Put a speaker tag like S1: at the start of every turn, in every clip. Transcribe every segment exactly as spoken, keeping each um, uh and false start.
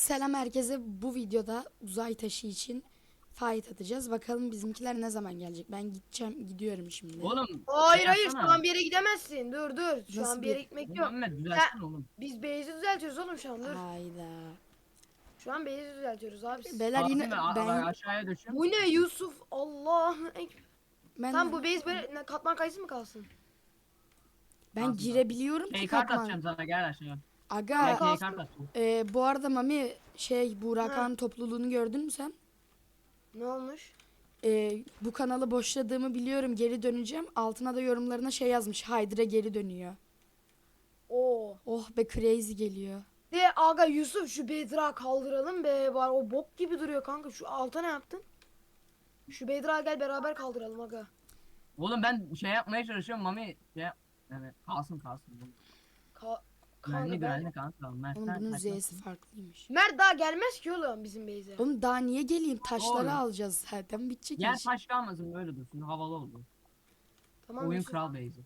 S1: Selam herkese. Bu videoda uzay taşı için fight atacağız. Bakalım bizimkiler ne zaman gelecek. Ben gideceğim, gidiyorum şimdi.
S2: Oğlum şey
S3: Hayır hayır şu
S2: yapsana.
S3: an bir yere gidemezsin. Dur dur. Şu
S1: Nasıl
S3: an bir
S1: bir...
S3: yere gitmek yok.
S2: Muhammed
S3: Sen,
S2: düzeltsene oğlum.
S3: biz base'i düzeltiyoruz oğlum şu an dur.
S1: Hayda.
S3: Şu an base'i düzeltiyoruz abi.
S1: Beyler
S2: Kasım
S1: yine
S2: ve a-
S1: ben
S2: aşağıya düşün.
S3: Bu ne Yusuf? Allah.
S1: ben
S3: Tam bu base böyle ne, katman kayısı mı kalsın?
S1: ben
S2: Kalsın,
S1: girebiliyorum ki
S2: Key kart
S1: katman.
S2: atacağım sana gel aşağıya. Gel
S1: Aga
S2: key
S3: kalsın.
S2: kart atacağım.
S1: e, bu arada Mami şey bu
S3: Ha.
S1: Rakan topluluğunu gördün mü sen?
S3: Ne olmuş?
S1: E, bu kanalı boşladığımı biliyorum, geri döneceğim. Altına da yorumlarına şey yazmış. Hydra geri dönüyor.
S3: Oo.
S1: Oh be, crazy geliyor.
S3: De aga Yusuf şu Bedra kaldıralım be. Var o bok gibi duruyor kanka. Şu alta ne yaptın? Şu Bedra gel beraber kaldıralım aga.
S2: Oğlum ben şey yapmaya çalışıyorum Mami şey yap. Yani kalsın kalsın.
S3: Ka
S2: Güvenli
S3: kanka ben...
S2: güvenli kanka. Mert
S1: Oğlum
S2: sen
S1: bunun
S2: kaçmasın.
S1: Z'si farklıymış.
S3: Mert daha gelmez ki oğlum bizim base'e.
S1: Oğlum daha niye geleyim? Taşları
S2: Doğru.
S1: alacağız zaten. Bitecek
S2: Yer
S1: iş.
S2: taş kalmasın böyle dursun havalı oldu.
S3: Tamam
S2: Oyun
S3: Yusuf.
S2: kral base'i.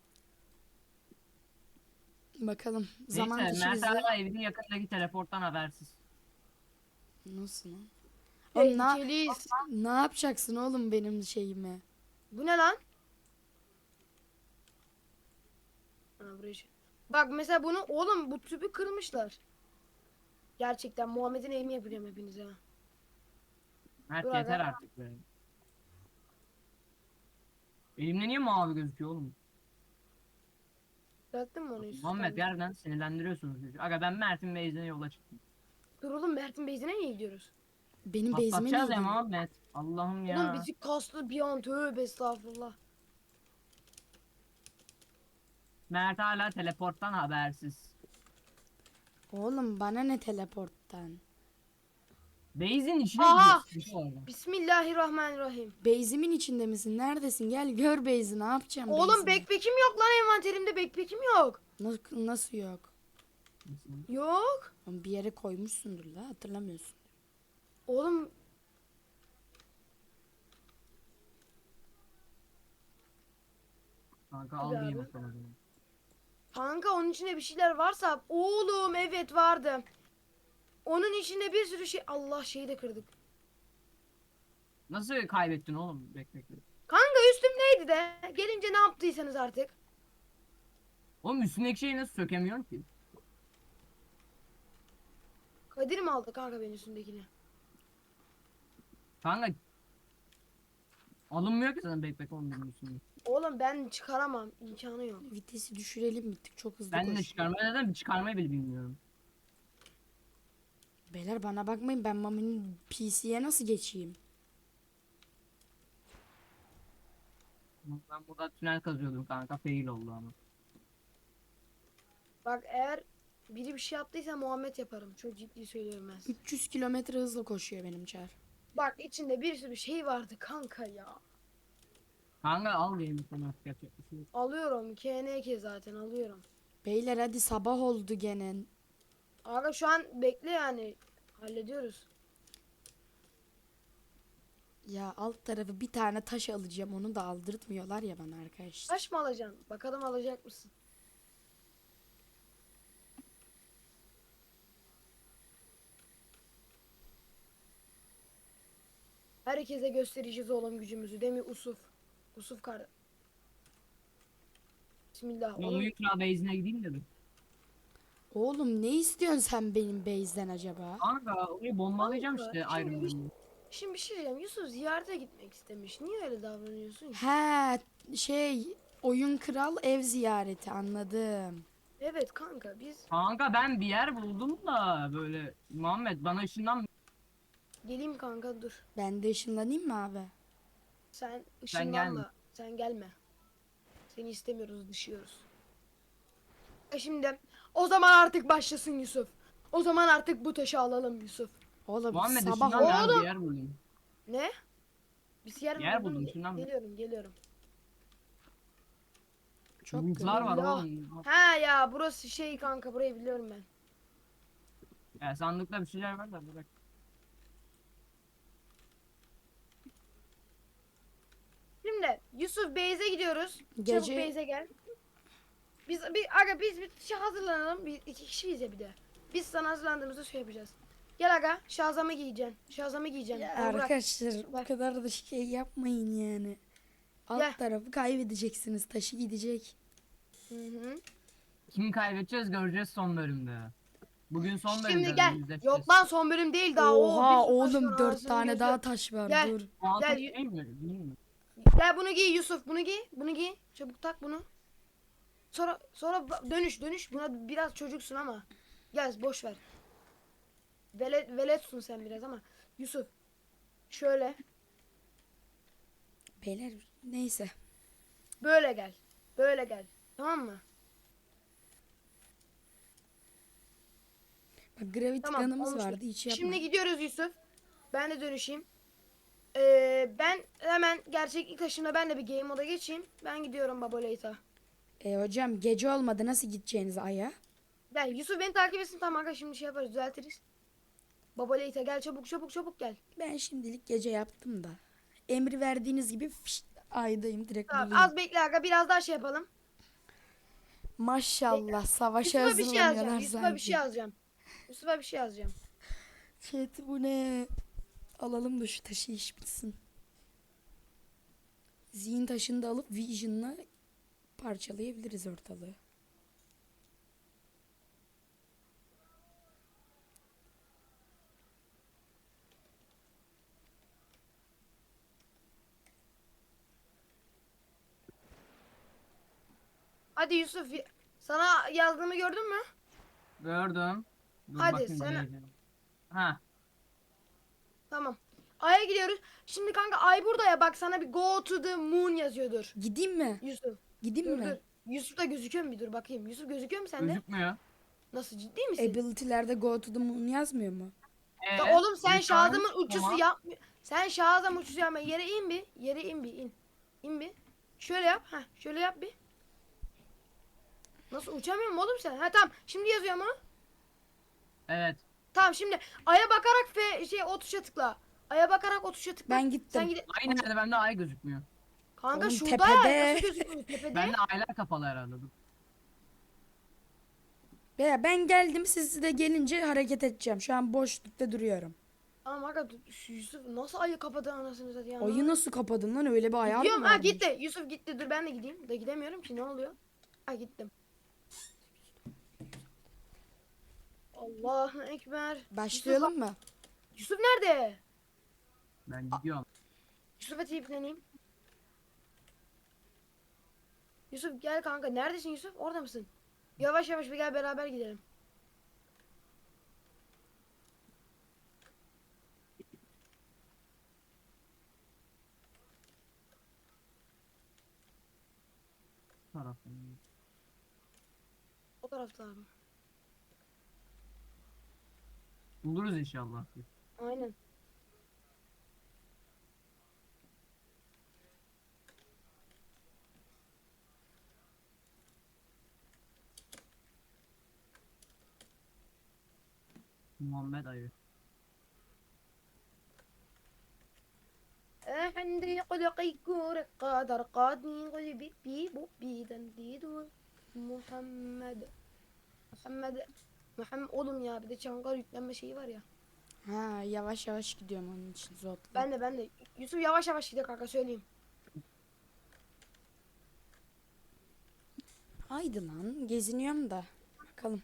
S1: Bakalım. Zaman
S2: Neyse
S1: taşı
S2: Mert
S1: bize...
S2: hala evinin yakındaki teleporttan habersiz.
S1: Nasıl lan? Oğlum na...
S3: Tehlikeliyiz.
S1: ne yapacaksın oğlum benim şeyime?
S3: Bu ne lan? Ha, buraya şey- Bak mesela bunu oğlum bu tüpü kırmışlar. Gerçekten Muhammed'in eğimi yapacağım hepinize.
S2: Mert
S3: Dur
S2: yeter
S3: aga.
S2: artık be. Elimde niye mavi gözüküyor oğlum?
S3: Düzelttin mi onu Yusuf?
S2: Muhammed
S3: Tamam.
S2: gerçekten sinirlendiriyorsunuz çocuğu. Aga ben Mert'in base'ine yola çıktım.
S3: Dur oğlum Mert'in base'ine niye gidiyoruz?
S1: Benim base'ime
S2: Patlatacağız
S1: niye
S2: ya
S1: gidiyorsun?
S2: Muhammed. Allah'ım ya.
S3: Oğlum bizi kastı bir an tövbe estağfurullah.
S2: Mert hala teleporttan habersiz.
S1: Oğlum bana ne teleporttan?
S2: Base'in içine
S3: Aha!
S2: gidiyorsun şu orada.
S3: Bismillahirrahmanirrahim.
S1: Base'imin içinde misin? Neredesin? Gel gör base'i. Ne yapacağım
S3: Oğlum
S1: base'ini?
S3: backpack'im yok lan envanterimde backpack'im yok.
S1: Nasıl, nasıl yok?
S3: Yok.
S1: Oğlum bir yere koymuşsundur la, hatırlamıyorsun.
S3: Oğlum
S2: Kanka
S3: Hadi
S2: al diyeyim
S3: abi.
S2: o zaman.
S3: kanka onun içinde bir şeyler varsa oğlum evet vardı. Onun içinde bir sürü şey Allah şeyi de kırdık.
S2: Nasıl kaybettin oğlum? Bek bek bek.
S3: Kanka üstümdeydi de. Gelince ne yaptıysanız artık.
S2: Oğlum üstündeki şeyi nasıl sökemiyorum ki?
S3: Kadir mi aldı kanka benim üstümdekini?
S2: Kanka alınmıyor ki sana bek bek oğlum benim üstümde.
S3: Oğlum ben çıkaramam. İmkanı yok.
S1: Vitesi düşürelim, bittik, çok hızlı
S2: Ben de
S1: koşuyor.
S2: çıkarmaya neden bir çıkarmayı bile bilmiyorum.
S1: Beyler bana bakmayın, ben Mami'nin P C'ye nasıl geçeyim?
S2: Ben burada tünel kazıyordum kanka fail oldu ama.
S3: Bak eğer biri bir şey yaptıysa Muhammed yaparım. Çok ciddi söylüyorum ben size.
S1: üç yüz kilometre hızla koşuyor benim çar.
S3: Bak içinde bir sürü şey vardı kanka ya.
S2: Kanka al diyeyim sana yapacak bir şey yok.
S3: Alıyorum. K N K zaten alıyorum.
S1: Beyler hadi, sabah oldu gene.
S3: Aga şu an bekle yani. Hallediyoruz.
S1: Ya alt tarafı bir tane taş alacağım, onu da aldırtmıyorlar ya bana arkadaşlar.
S3: Taş mı alacaksın? Bakalım alacak mısın? Herkese göstereceğiz oğlum gücümüzü değil mi Usuf? Usuf kardeş. Bismillah
S2: Ben
S3: oğlum.
S2: oyun kral base'ine gideyim de bir.
S1: Oğlum ne istiyorsun sen benim base'den acaba?
S2: Kanka orayı bombalayacağım
S3: Kanka,
S2: işte
S3: şimdi
S2: Iron
S3: bir-
S2: Man'ı.
S3: Şimdi bir şey diyeceğim. Yusuf ziyarete gitmek istemiş. Niye öyle davranıyorsun ki?
S1: He şey, oyun kral ev ziyareti, anladım.
S3: Evet kanka biz
S2: Kanka ben bir yer buldum da böyle Muhammed bana ışından
S3: geleyim kanka dur.
S1: Ben de ışınlanayım mı abi?
S3: Sen
S2: gelme.
S3: ışınlanma. Sen gelme. Seni istemiyoruz, dışıyoruz. E şimdi o zaman artık başlasın Yusuf. O zaman artık bu taşı alalım Yusuf.
S1: Oğlum
S2: Muhammed
S1: sabah
S2: ışından ben
S3: Oğlum.
S2: bir yer buldum.
S3: Ne? Biz yer,
S2: Yer
S3: buldun.
S2: buldum,
S3: Ge-
S2: şundan mı?
S3: Geliyorum, geliyorum.
S1: çok
S2: Bulutlar var
S3: Allah.
S2: oğlum.
S3: Ha ya burası şey kanka burayı biliyorum ben.
S2: Ya sandıkta bir şeyler var da bırak.
S3: Şimdi Yusuf Beyze gidiyoruz.
S1: Gece-
S3: Çabuk Beyze gel. Biz bir aga biz bir şey hazırlanalım. Biz iki kişiyiz ya bir de. Biz sana hazırlandığımızda şey yapacağız. Gel aga şazamı giyeceksin. Şazamı giyeceksin.
S1: Ya
S3: Al bırak.
S1: arkadaşlar bu
S3: Ver.
S1: kadar da şey yapmayın yani. Alt
S3: Gel.
S1: tarafı kaybedeceksiniz. Taşı gidecek.
S3: Hı hı.
S2: Kimi kaybedeceğiz göreceğiz son bölümde. Bugün son bölümde.
S3: Şimdi gel.
S2: yüzleşeceğiz.
S3: Yok lan son bölüm değil daha. Oo,
S1: Oha
S3: bir sürü taş
S1: oğlum
S3: var,
S1: dört
S3: anasını
S1: tane
S3: gözü.
S1: daha taş var.
S3: Gel.
S1: Dur.
S2: Altı
S3: Gel.
S2: değil mi? Değil mi?
S3: Gel bunu giy Yusuf. Bunu giy. Bunu giy. Çabuk tak bunu. Sonra sonra ba- dönüş dönüş. Buna biraz çocuksun ama. Gel boş ver. Velet, veletsun sen biraz ama. Yusuf. Şöyle.
S1: Beyler neyse.
S3: Böyle gel. Böyle gel. Tamam mı?
S1: Bak gravity
S3: Tamam.
S1: gun'ımız
S3: olmuştur.
S1: vardı hiç yapma.
S3: Şimdi gidiyoruz Yusuf. Ben de dönüşeyim. Ee, ben hemen gerçeklik taşımla ben de bir game moda geçeyim. Ben gidiyorum Baba Late'a.
S1: E hocam gece olmadı nasıl gideceğiniz aya?
S3: Gel Yusuf beni takip etsin, tamam aga şimdi şey yaparız, düzeltiriz. Baba Late'a gel, çabuk çabuk çabuk gel.
S1: Ben şimdilik gece yaptım da. Emri verdiğiniz gibi fişt, aydayım direkt
S3: Tamam
S1: bulayım.
S3: az bekle aga, biraz daha şey yapalım.
S1: Maşallah savaşa
S3: Yusuf'a bir şey yazacağım.
S1: hazırlanıyorlar
S3: Yusuf'a
S1: sanki.
S3: bir şey yazacağım. Yusuf'a bir şey yazacağım.
S1: Chat bu ne? Alalım da şu taşı iş bitsin. Zihin taşını da alıp Vision'la parçalayabiliriz ortalığı.
S3: Hadi Yusuf, y- sana yazdığımı gördün mü?
S2: Gördüm. Dur
S3: Hadi,
S2: bakayım
S3: sana-
S2: diyeceğim. Ha.
S3: Tamam. Ay'a gidiyoruz. Şimdi kanka Ay burada ya, bak sana bir go to the moon yazıyordur.
S1: Gideyim mi?
S3: Yusuf.
S1: Gideyim
S3: Dur
S1: mi?
S3: dur. Yusuf da gözüküyor mu, bir dur bakayım. Yusuf gözüküyor mu sende?
S2: Gözükmüyor.
S3: Nasıl, ciddi misin?
S1: Ability'lerde go to the moon yazmıyor mu?
S2: Ee,
S3: Ya oğlum sen
S2: lütfen.
S3: Şazam'ın uçusu
S2: Tamam.
S3: yapmıyor. Sen Şazam uçusu yapma. Yere in bir. Yere in bir in. İn bir. Şöyle yap. Ha, şöyle yap bir. Nasıl uçamıyorum oğlum sen? Ha tamam. Şimdi yazıyor mu?
S2: Evet.
S3: Tamam şimdi Ay'a bakarak ve şey o tuşa tıkla. Ay'a bakarak o tuşa tıkla.
S1: Ben gittim.
S3: Sen gide.
S2: Ay nerede? Bende ay gözükmüyor.
S3: Kanka
S1: Oğlum
S3: şurada
S1: tepede.
S3: ya. Nasıl gözükmüyor tepede?
S2: Bende aylar kapalı herhalde. Dur.
S1: Veya ben geldim siz de gelince hareket edeceğim. Şu an boşlukta duruyorum.
S3: Tamam aga, dur, şu Yusuf nasıl Ay'ı kapadı anasını satayım.
S1: Ayı nasıl kapadın lan öyle bir ayar
S3: Gidiyorum.
S1: mı
S3: Ha
S1: varmış?
S3: gitti. Yusuf gitti. Dur ben de gideyim. Da gidemiyorum ki, ne oluyor? Ha gittim. Allahu Ekber.
S1: Başlayalım mı?
S3: Yusuf nerede?
S2: Ben gidiyorum.
S3: Yusuf'a tipleneyim. Yusuf gel kanka. Neredesin Yusuf? Orada mısın? Yavaş yavaş bir gel, beraber gidelim.
S2: Bu taraftan.
S3: O tarafta abi.
S2: Buluruz inşallah.
S3: Aynen.
S2: Muhammed ayı.
S3: عندي قلقي كور قادر قادني قلبي بي بو بي دنديدو Muhammed Muhammed Muhammed oğlum ya, bir de Çankar yüklenme şeyi var ya.
S1: Ha yavaş yavaş gidiyorum onun için zotla.
S3: Ben de ben de Yusuf yavaş yavaş gidiyor kanka, söyleyeyim.
S1: Haydi lan geziniyorum da. Bakalım.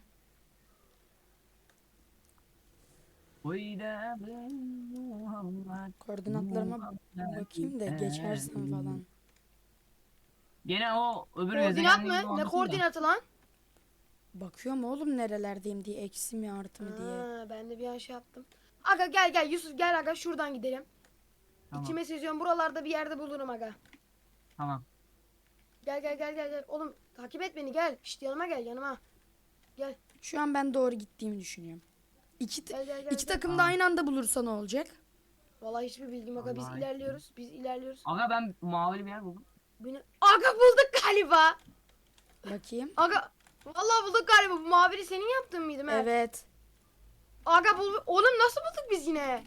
S2: Oyda Muhammed.
S1: Koordinatlarıma bakayım da geçersem falan.
S2: Gene o öbür
S3: Koordinat
S2: gezegenliğin
S3: mı? Ne
S2: muhabbeti de.
S3: koordinatı lan?
S1: Bakıyorum oğlum nerelerdeyim diye eksi mi artı mı diye.
S3: Ha, ben de bir an şey yaptım. Aga gel gel Yusuf, gel aga şuradan gidelim.
S2: Tamam.
S3: İçime seziyorum, buralarda bir yerde bulurum aga.
S2: Tamam.
S3: Gel gel gel gel gel. Oğlum takip et beni, gel. Şşt yanıma gel, yanıma. Gel.
S1: Şu an ben doğru gittiğimi düşünüyorum. İki,
S3: Gel gel gel.
S1: iki
S3: gel.
S1: takım da aynı anda bulursa ne olacak?
S3: Vallahi hiçbir bilgim yok. aga. Biz
S2: Vallahi
S3: ilerliyoruz. Biz ilerliyoruz.
S2: Aga ben mavili bir yer buldum.
S3: Beni... Aga bulduk galiba.
S1: Bakayım.
S3: Aga vallahi bulduk galiba. Bu mavili senin yaptığın mıydı Mert?
S1: Evet.
S3: Aga bul. Oğlum nasıl bulduk biz yine?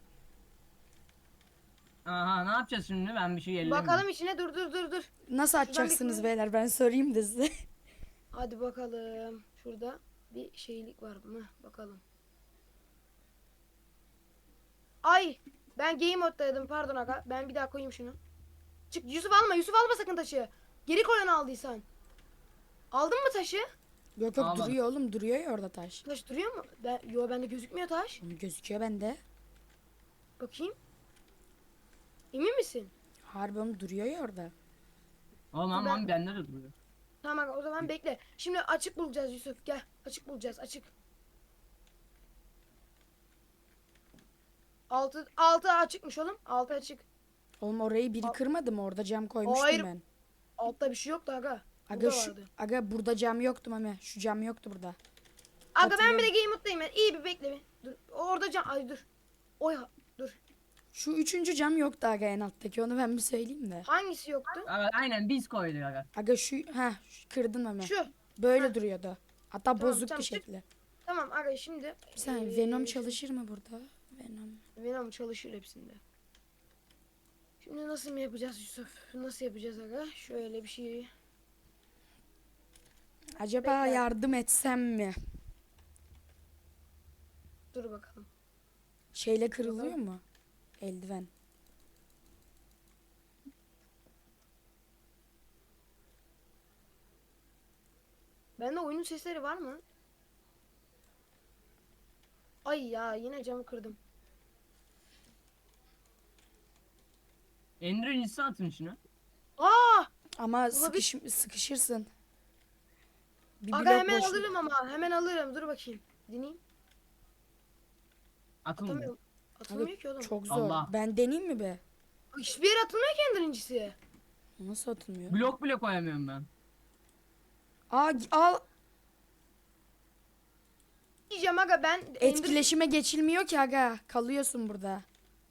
S2: Aha ne yapacağız şimdi? Ben bir şey ellemiyorum.
S3: Bakalım içine, dur dur dur dur.
S1: Nasıl açacaksınız
S3: bir-
S1: beyler ben sorayım da size.
S3: Hadi bakalım. Şurada bir şeylik var mı? Bakalım. Ay ben game moddaydım pardon aga. Ben bir daha koyayım şunu. Çık Yusuf alma Yusuf alma sakın taşı. Geri koy onu aldıysan. Aldın mı taşı?
S1: Yok yok
S2: Almadım.
S1: duruyor oğlum, duruyor ya orada taş.
S3: Taş duruyor mu? Ben, yo bende gözükmüyor taş.
S1: Onu gözüküyor bende.
S3: Bakayım. Emin misin?
S1: Harbi oğlum, duruyor ya orada.
S2: Oğlum lan
S3: Ben-
S2: Mami bende de duruyor.
S3: Tamam aga o zaman bekle. Şimdi açık bulacağız Yusuf. Gel açık bulacağız açık. Altı, altı açıkmış oğlum. Altı açık.
S1: Oğlum orayı biri
S3: Al-
S1: kırmadı mı? Orada cam koymuştum
S3: Hayır.
S1: ben.
S3: Altta bir şey yoktu aga.
S1: Aga
S3: Burada
S1: şu,
S3: vardı.
S1: aga burada cam yoktu Mami. Şu cam yoktu burada.
S3: Aga ben bir de
S1: Hatırlıyorum.
S3: game moddayım ben. İyi bir bekle bir. Dur. Orada can. Ay dur. Oy ha- dur.
S1: Şu üçüncü cam yoktu aga, en alttaki, onu ben bir söyleyeyim de.
S3: Hangisi yoktu?
S2: Aga, aynen biz koyduk aga.
S1: Aga şu, ha kırdın Mami.
S3: Şu.
S1: Böyle
S3: Ha.
S1: duruyordu. Hatta
S3: Tamam,
S1: bozuktu
S3: tamam, çık.
S1: şekli.
S3: Tamam aga şimdi.
S1: Bir saniye,
S3: eee,
S1: Venom çalışır mı burada? Venom.
S3: Venom çalışır hepsinde. Şimdi nasıl mı yapacağız Yusuf? Nasıl yapacağız aga? Şöyle bir şey.
S1: Acaba
S3: Bekle.
S1: yardım etsem mi?
S3: Dur bakalım.
S1: Şeyle kırılıyor mu? Eldiven.
S3: Bende oyunun sesleri var mı? Ay ya yine camı kırdım.
S2: Ender incisi atın şunu.
S3: Aa!
S1: Ama sıkış, sıkışırsın. Bir
S3: Aga
S1: blok
S3: hemen
S1: boşluk-
S3: alırım ama. Hemen alırım. Dur bakayım. Deneyeyim.
S2: Atılmıyor.
S3: Atamıyorum. Atılmıyor ki oğlum.
S1: Çok zor.
S2: Allah.
S1: Ben deneyeyim mi be?
S3: Hiçbir yere atılmıyor ki birincisi.
S1: Nasıl atılmıyor?
S2: Blok bile koyamıyorum ben.
S1: Aa, g- al.
S3: Diyeceğim aga ben Ender-
S1: Etkileşime geçilmiyor ki aga. Kalıyorsun burada.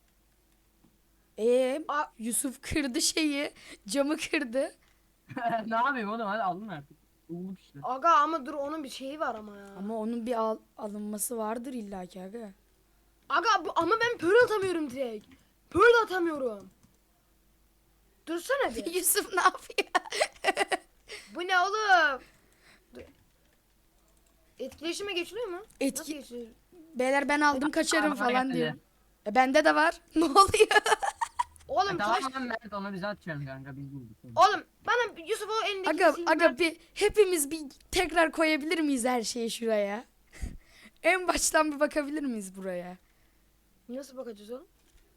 S1: Ee,
S3: Aa,
S1: Yusuf kırdı şeyi. Camı kırdı.
S2: Ne yapayım oğlum, hadi alın artık. Bulduk işte.
S3: aga ama dur onun bir şeyi var ama ya.
S1: Ama onun bir al- alınması vardır illaki aga.
S3: Aga bu, ama ben pearl atamıyorum direkt. Pearl atamıyorum. Dursana bir.
S1: Yusuf ne yapıyor?
S3: Bu ne oğlum? Dur. Etkileşime geçiliyor mu? Nasıl
S1: Etki
S3: geçiliyor?
S1: Beyler ben aldım kaçarım
S2: Aa,
S1: falan
S2: geldi.
S1: diyor. E bende de var. Ne oluyor?
S3: Oğlum
S2: E,
S3: taş.
S2: tamam lan Mert, onu bize atacaksın kanka, biz bulduk.
S3: Oğlum bana Yusuf o elindeki
S1: Aga
S3: silgi
S1: aga
S3: ver.
S1: bir hepimiz bir tekrar koyabilir miyiz her şeyi şuraya? En baştan bir bakabilir miyiz buraya?
S3: Nasıl bakacağız oğlum?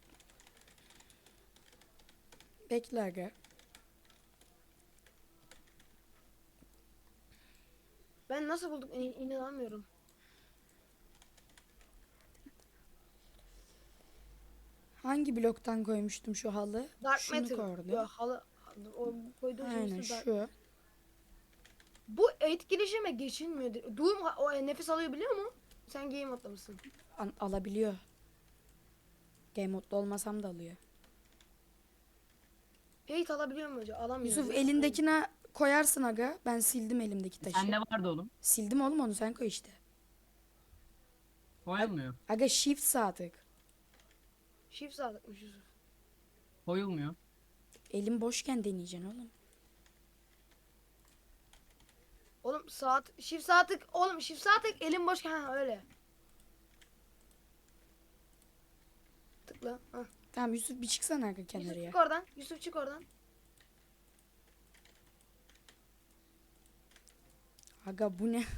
S1: Bekle aga.
S3: Ben nasıl bulduk İn- inanamıyorum.
S1: Hangi bloktan koymuştum şu halı?
S3: Dark
S1: Şunu
S3: Matter.
S1: koydum.
S3: Ya halı o koyduğum şey
S1: Aynen
S3: üstü dark-
S1: şu.
S3: Bu etkileşime geçilmiyor. Doom ha- o e, nefes alıyor biliyor mu? Sen game modda mısın?
S1: An- alabiliyor. Game modda olmasam da alıyor.
S3: Eight alabiliyor mu hocam? Alamıyor.
S1: Yusuf
S3: değil mi?
S1: elindekine koyarsın aga. Ben sildim elimdeki taşı.
S2: Sende vardı oğlum.
S1: Sildim oğlum, onu sen koy işte.
S2: Koyulmuyor.
S1: Aga shift sağ tık.
S3: Shift sağlıkmış Yusuf.
S2: Koyulmuyor.
S1: Elim boşken deneyeceksin oğlum.
S3: Oğlum saat shift sağ tık oğlum shift sağ tık elim boş ha öyle. Tıkla. Ha.
S1: Tamam Yusuf bir çıksana aga
S3: Yusuf
S1: kenarıya.
S3: çık oradan. Yusuf çık oradan.
S1: Aga bu ne?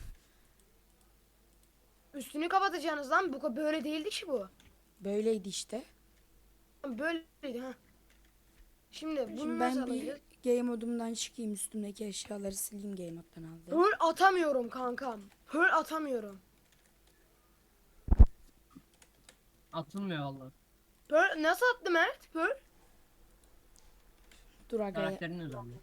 S3: Üstünü kapatacaksınız lan. Bu ka- böyle değildi ki bu.
S1: Böyleydi işte.
S3: Böyleydi ha. Şimdi bunu
S1: Şimdi
S3: nasıl
S1: ben bir
S3: alacağız?
S1: game modumdan çıkayım, üstümdeki eşyaları sileyim, game moddan aldım.
S3: Pearl atamıyorum kankam. Pearl atamıyorum.
S2: Atılmıyor valla.
S3: Pearl nasıl attı Mert? Pearl?
S1: Dur aga.
S2: Karakterin özelliği.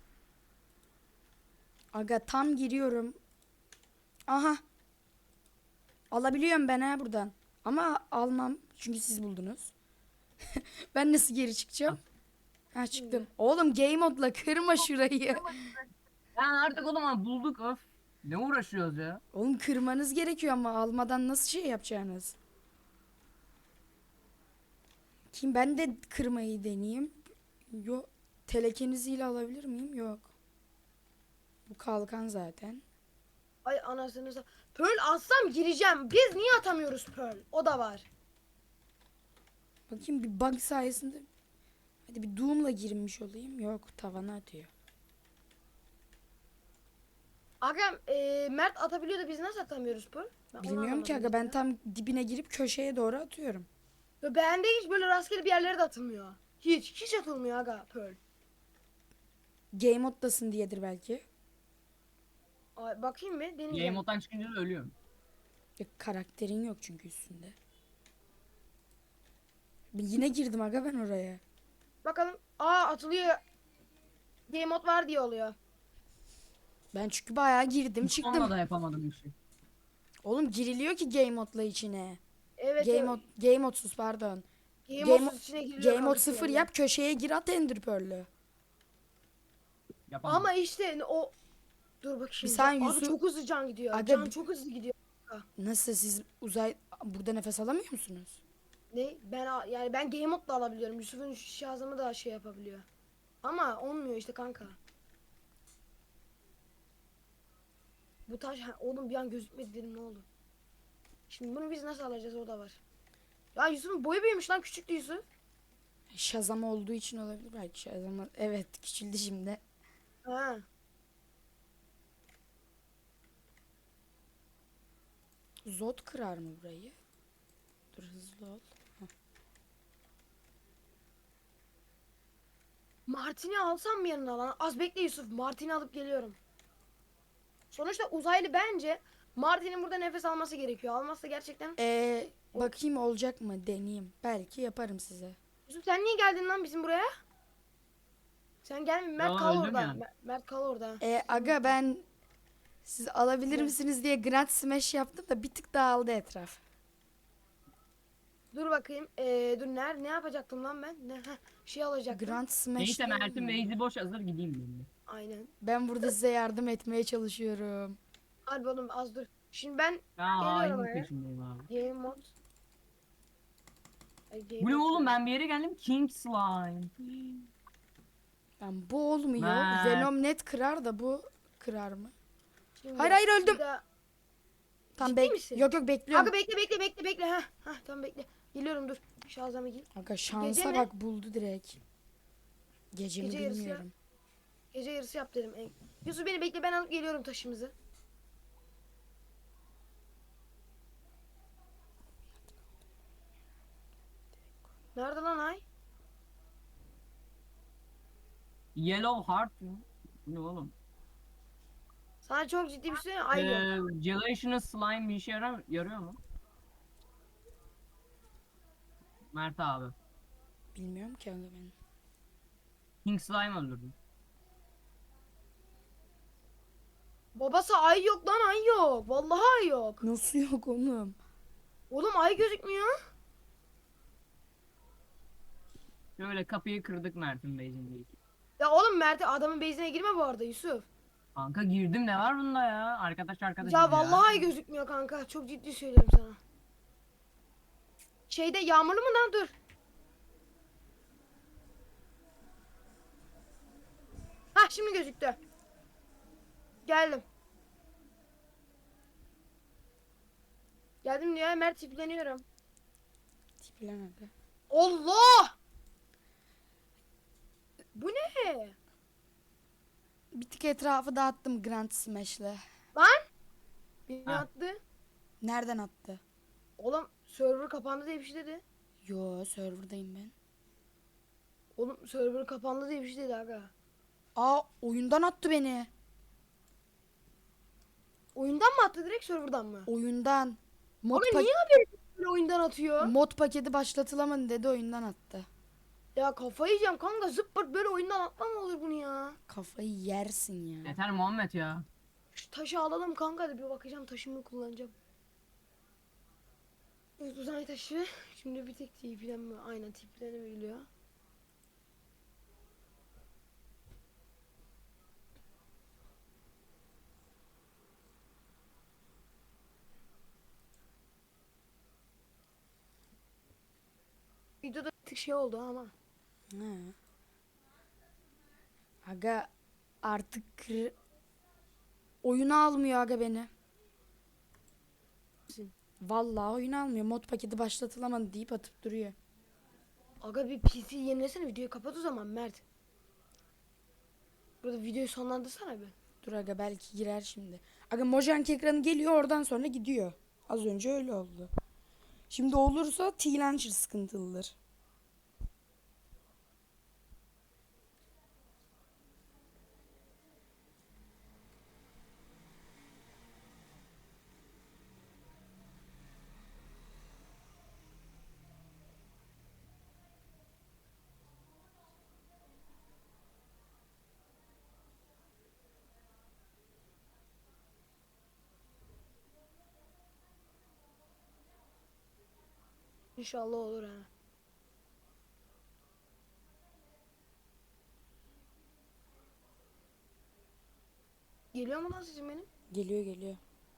S1: Aga tam giriyorum. Aha. Alabiliyorum ben ha buradan. Ama almam çünkü siz buldunuz. Ben nasıl geri çıkacağım? Ha çıktım. Oğlum game modla kırma şurayı.
S2: Yani artık oğlum abi bulduk öf. Ne uğraşıyoruz ya?
S1: Oğlum kırmanız gerekiyor ama almadan nasıl şey yapacaksınız? Kim ben de kırmayı deneyeyim. Yok. Telekeniziyle alabilir miyim? Yok. Bu kalkan zaten.
S3: Ay anasını sa- Pearl atsam gireceğim. Biz niye atamıyoruz Pearl? O da var.
S1: Bakayım bir bug sayesinde. Hadi bir Doom'la girmiş olayım. Yok, tavana atıyor.
S3: Aga e, Mert atabiliyor da biz nasıl atamıyoruz bu? Ben onu
S1: Bilmiyorum ki aga,
S3: anlamadım
S1: ben
S3: ya.
S1: tam dibine girip köşeye doğru atıyorum.
S3: Ve bende hiç böyle rastgele bir yerlere de atılmıyor. Hiç. Hiç atılmıyor aga Pearl.
S1: Game moddasın diyedir belki.
S3: Ay, bakayım mı?
S2: Game
S3: Deneyeceğim.
S2: moddan çıkınca da ölüyorum.
S1: Ya, karakterin yok çünkü üstünde. Ben yine girdim aga ben oraya.
S3: Bakalım. Aa atılıyor. Game mode var diye oluyor.
S1: Ben çünkü bayağı girdim
S2: Hiç
S1: çıktım.
S2: onunla da yapamadım bir şey.
S1: Oğlum giriliyor ki game modla içine.
S3: Evet.
S1: Game
S3: evet.
S1: mod, game modsuz pardon.
S3: Game,
S1: Game,
S3: mode içine giriliyor
S1: game mod
S3: kanka
S1: sıfır
S3: yani.
S1: yap, köşeye gir, at Ender Pearl'ü.
S2: Yapamadım.
S3: Ama işte o dur bakayım.
S1: Bir saniye,
S3: Abi
S1: Yusuf-
S3: çok hızlı can gidiyor.
S1: Aga
S3: can
S1: bir-
S3: çok hızlı gidiyor.
S1: Nasıl, siz uzay burada nefes alamıyor musunuz?
S3: Ne? Ben a- yani ben game mode da alabiliyorum. Yusuf'un şarjımı da şey yapabiliyor. Ama olmuyor işte kanka. Bu taş ha, oğlum bir an gözükmedi dedim, ne oldu? Şimdi bunu biz nasıl alacağız, o da var. Ya Yusuf'un boyu büyümüş lan, küçüktü Yusuf.
S1: Shazam olduğu için olabilir belki. Shazam, evet, küçüldü şimdi.
S3: Ha.
S1: Zod kırar mı burayı? Dur, hızlı ol.
S3: Martin'i alsam mı yanına lan? Az bekle Yusuf. Martin'i alıp geliyorum. Sonuçta uzaylı bence Martin'in burada nefes alması gerekiyor. Almazsa gerçekten.
S1: Ee, bakayım olacak mı, deneyeyim. Belki yaparım size.
S3: Yusuf sen niye geldin lan bizim buraya? Sen gelme, Mert
S2: Ya,
S3: kal
S2: öldüm
S3: orada.
S2: ya.
S3: Mer- Mert kal orada.
S1: Ee, aga ben siz alabilir
S3: Ne?
S1: misiniz diye Grand Smash yaptım da bir tık dağıldı etraf.
S3: Dur bakayım. Ee, dur ner ne yapacaktım lan ben? Ne heh, şey alacaktım.
S1: Grand Smash
S2: Neyse
S1: değil
S2: Mert'in
S1: mi?
S2: base'i boş, hazır gideyim ben de.
S3: Aynen.
S1: Ben burada size yardım etmeye çalışıyorum.
S3: Hadi oğlum az dur. Şimdi ben
S2: Ya
S3: Geliyorum
S2: hainin
S3: oraya.
S2: peşindeyim abi.
S3: game mod. Ay, game
S2: Bu ne
S3: mod
S2: oğlum,
S3: diyorum.
S2: ben bir yere geldim, King Slime.
S1: Ben bu olmuyor.
S2: Mert.
S1: Venom net kırar da bu kırar mı?
S3: Şimdi
S1: Hayır, hayır,
S3: bir
S1: öldüm.
S3: daha-
S1: Tam
S3: Ciddi
S1: bek
S3: misin?
S1: Yok yok, bekliyorum.
S3: Aga bekle bekle bekle bekle. Ha ha tamam bekle. Geliyorum dur. Şazamı giy.
S1: Aga şansa
S3: Gece mi?
S1: bak, buldu direkt. Gece mi
S3: Gece yarısı ya.
S1: bilmiyorum.
S3: Gece yarısı yap dedim. En- Yusuf beni bekle, ben alıp geliyorum taşımızı. Nerede lan ay?
S2: Yellow Heart mı? Bu ne oğlum?
S3: Sana çok ciddi bir şey söyleyeyim mi? Ay yok.
S2: Ee, Gelatinous Slime bir işe yarar, yarıyor mu? Mert abi.
S1: Bilmiyorum ki aga ben.
S2: King Slime öldürdüm.
S3: Babası ay yok lan, ay yok. Vallahi ay yok.
S1: Nasıl yok oğlum?
S3: Oğlum ay gözükmüyor.
S2: Şöyle kapıyı kırdık Mert'in base'indeyiz.
S3: Ya oğlum Mert adamın base'ine girme bu arada Yusuf.
S2: Kanka girdim, ne var bunda ya? Arkadaş arkadaş.
S3: Ya vallahi ay gözükmüyor kanka. Çok ciddi söylüyorum sana. Şeyde yağmurlu mu lan, dur. Ha şimdi gözüktü. Geldim. Geldim diyor Mert, tipleniyorum.
S1: Tiplen aga.
S3: Allah! Bu ne?
S1: Bir tık etrafı dağıttım Grand Smash'le.
S3: Lan? Beni
S2: Ha.
S3: attı.
S1: Nereden attı?
S3: Oğlum server kapandı diye bir şey dedi.
S1: Yo, serverdayım ben.
S3: Oğlum server kapandı diye bir şey dedi aga.
S1: Aa, oyundan attı beni.
S3: Oyundan mı attı, direkt serverdan mı?
S1: Oyundan. Mod,
S3: Ama
S1: pa-
S3: niye haberi böyle oyundan atıyor?
S1: mod paketi başlatılamadı dedi, oyundan attı.
S3: Ya kafayı yiyeceğim kanka, zıppırt böyle oyundan atma mı olur bunu ya?
S1: Kafayı yersin ya.
S2: Yeter Muhammed ya.
S3: Şu taşı alalım kanka, hadi bir bakacağım, taşımı kullanacağım. Evet, uzay taşı. Şimdi bir tek tiplenme, aynen tiplenebiliyor. Videoda bir tık şey oldu ama.
S1: Ha. Aga artık kır- oyunu almıyor aga beni. Vallahi oyun almıyor. Mod paketi başlatılamadı deyip atıp duruyor.
S3: Aga bir P C yenilesene, videoyu kapat o zaman Mert. Burada videoyu sonlandırsana bir.
S1: Dur aga belki girer şimdi. Aga Mojang ekranı geliyor oradan sonra gidiyor. Az önce öyle oldu. Şimdi olursa T-Launcher sıkıntılıdır.
S3: İnşallah olur ha. Geliyor mu lan sesim benim?
S1: Geliyor geliyor.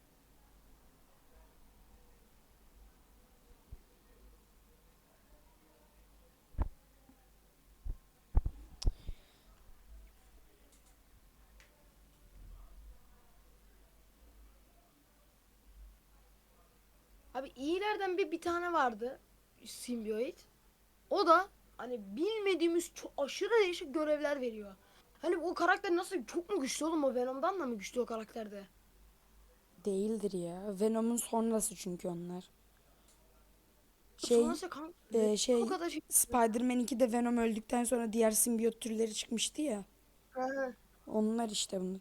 S3: Abi iyilerden bir bir tane vardı. Symbiote. O da hani bilmediğimiz çok aşırı değişik görevler veriyor. Hani o karakter nasıl, çok mu güçlü oğlum, o Venom'dan da mı güçlü o karakterde?
S1: Değildir ya. Venom'un sonrası çünkü onlar. Şey,
S3: Sonrası kan
S1: e, şey
S3: o kadar şey.
S1: Spider-Man ikide Venom öldükten sonra diğer simbiyot türleri çıkmıştı ya.
S3: Hı hı.
S1: Onlar işte bunu.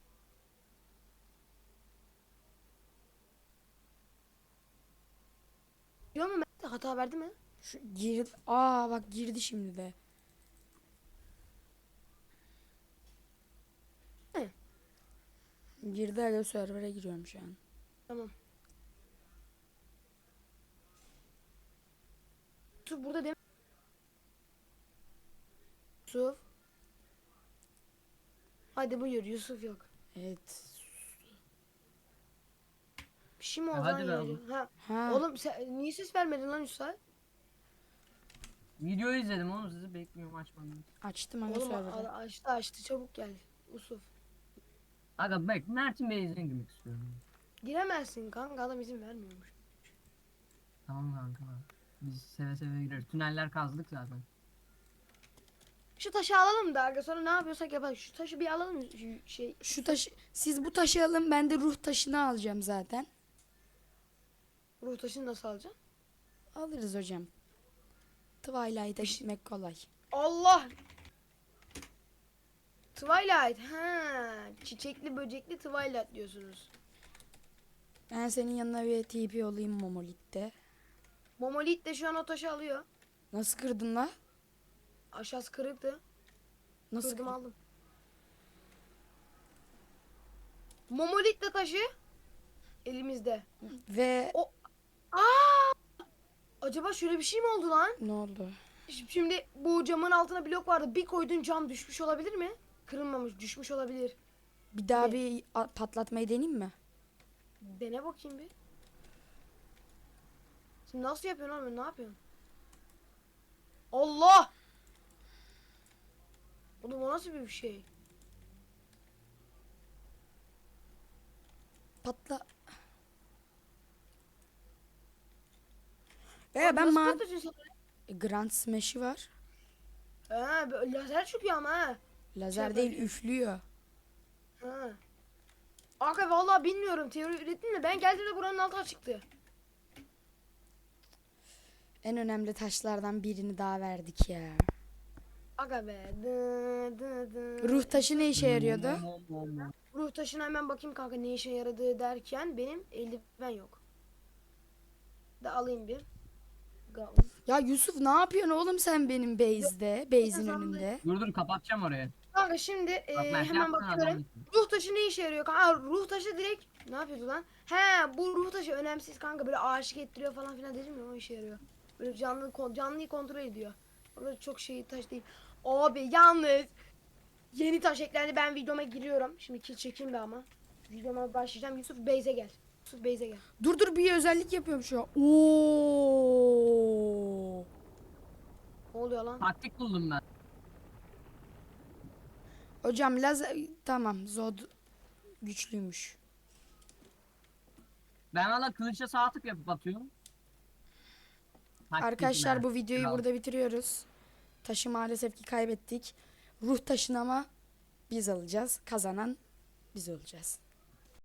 S3: Diyor mu Mert, hata verdi mi?
S1: Şu gir Aa bak girdi şimdi de.
S3: He.
S1: Girdi aga server'a giriyorum şu an.
S3: Tamam. Yusuf burada değil mi? Yusuf. Hadi buyur, Yusuf yok.
S1: Evet.
S3: Bir şey mi
S2: E,
S3: oldu
S2: hadi
S3: lan
S2: be
S3: ya?
S2: oğlum.
S3: Ha.
S1: Ha.
S3: Oğlum sen niye ses vermedin lan Yusuf?
S2: Videoyu izledim oğlum, sizi bekliyorum, açmadım.
S1: Açtım aga
S3: Oğlum
S1: server'ı.
S3: a- açtı açtı, çabuk gel Yusuf.
S2: Aga bak, Mert'in Bey'ine girmek istiyorum.
S3: Giremezsin kanka, adam izin vermiyormuş.
S2: Tamam kanka. Biz seve seve gireriz. Tüneller kazdık zaten.
S3: Şu taşı alalım da aga, sonra ne yapıyorsak yapalım. Şu taşı bir alalım, şu şey.
S1: Şu taşı siz bu taşı alın ben de ruh taşını alacağım zaten.
S3: Ruh taşını nasıl alacağım?
S1: Alırız hocam. Twilight'a gitmek kolay.
S3: Allah! Twilight. Ha, çiçekli böcekli Twilight diyorsunuz.
S1: Ben senin yanına bir T P olayım Momolith'te.
S3: Momolit de şu an o taşı alıyor.
S1: Nasıl kırdın la?
S3: Aşağısı kırıktı.
S1: Nasıl
S3: Kırdım
S1: kırdın?
S3: aldım. Momolit de taşı elimizde.
S1: Ve
S3: O Aa! Acaba şöyle bir şey mi oldu lan?
S1: ne oldu?
S3: Ş- Şimdi bu camın altına blok vardı. Bir koydun, cam düşmüş olabilir mi? Kırılmamış, düşmüş olabilir.
S1: Bir daha
S3: Ne?
S1: bir a- patlatmayı deneyeyim mi?
S3: Dene bakayım bir. Şimdi nasıl yapıyorsun oğlum? Ne yapıyorsun? Allah! Oğlum o nasıl bir şey?
S1: Patla. Veya ben
S3: Nasıl
S1: ma
S3: patlatıyorsun
S1: E, Grand Smash'i var.
S3: sen? Ha, böyle lazer çıkıyor ama ha.
S1: Lazer
S3: Şey
S1: değil
S3: yapıyor.
S1: üflüyor.
S3: Ha. Aga vallahi bilmiyorum, teori ürettin de ben geldiğimde buranın altına çıktı.
S1: En önemli taşlardan birini daha verdik ya.
S3: Aga be. Dı, dı, dı.
S1: Ruh taşı ne işe yarıyordu?
S3: Ruh taşına hemen bakayım kanka ne işe yaradığı derken, benim eldiven yok. Da alayım bir. Ga-
S1: Ya Yusuf ne yapıyorsun oğlum sen benim base'de, base'in
S3: Yok,
S1: önünde?
S2: Dur dur, kapatacağım orayı.
S3: Kanka şimdi e,
S2: Bak Mert,
S3: hemen
S2: yaptın adam
S3: bakıyorum.
S2: gitti.
S3: Ruh taşı ne işe yarıyor kanka? Aa, ruh taşı direkt ne yapıyordu lan? He, bu ruh taşı önemsiz kanka, böyle aşık ettiriyor falan filan dedim ya, o işe yarıyor. Böyle canlı kon- canlıyı kontrol ediyor. Orada çok şey taş değil. Abi yalnız yeni taş eklendi, ben videoma giriyorum. Şimdi kill çekeyim de ama. Videoma başlayacağım. Yusuf Beyze gel. Yusuf Beyze gel.
S1: Dur dur bir özellik yapıyorum şu an. Oo.
S3: Ne oluyor lan?
S2: Taktik buldum ben.
S1: Hocam lazer tamam Zod güçlüymüş.
S2: Ben valla kılıçla sağ tık yapıp atıyorum. Hak
S1: Arkadaşlar
S2: etme.
S1: bu videoyu
S2: Kral.
S1: burada bitiriyoruz. Taşı maalesef ki kaybettik. Ruh taşını ama biz alacağız. Kazanan biz olacağız.